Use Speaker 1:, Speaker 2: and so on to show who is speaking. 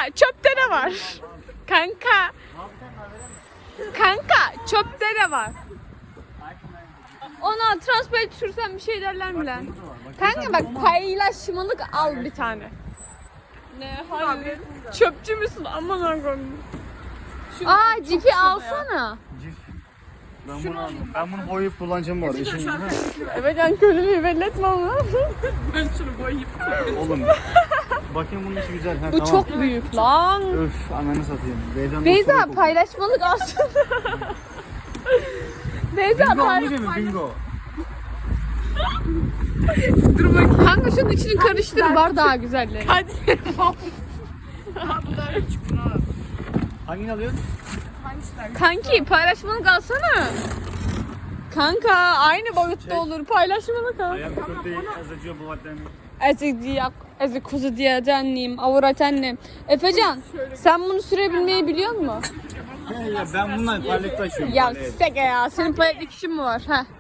Speaker 1: çöpte ne var? Kanka. Kanka çöpte ne var? Ona transparan sürsen bir şey derler mi lan? Kanka bak paylaşmalık al bir tane. Ne hayır. Çöpçü müsün? Aman Allah'ım. Aa cipi alsana.
Speaker 2: Ben bunu boyayıp kullanacağım bu arada.
Speaker 1: Evet yani köylülüğü belli etme ama.
Speaker 3: Ben şunu boyayıp.
Speaker 2: Oğlum. Bakayım bunun içi güzel.
Speaker 1: Bu çok büyük lan.
Speaker 2: Öf ananı satayım.
Speaker 1: Beyza paylaşmalık alsana. Beyza
Speaker 2: paylaşmalık. Bingo.
Speaker 1: Dur bakayım. Kanka şunun içini karıştır var daha güzelleri.
Speaker 3: Hadi.
Speaker 2: Hangini alıyorsun?
Speaker 1: Kanki paylaşmalık alsana. Kanka aynı boyutta olur paylaşmalık al.
Speaker 2: Ayağım köfteyi azacıyor bu vatten.
Speaker 1: Ezi kuzu diye annem, avurat annem. Efecan sen bunu sürebilmeyi biliyor musun?
Speaker 2: Ya ben bundan palet taşıyorum.
Speaker 1: Ya seke ya senin paletlik işin mi var? Heh.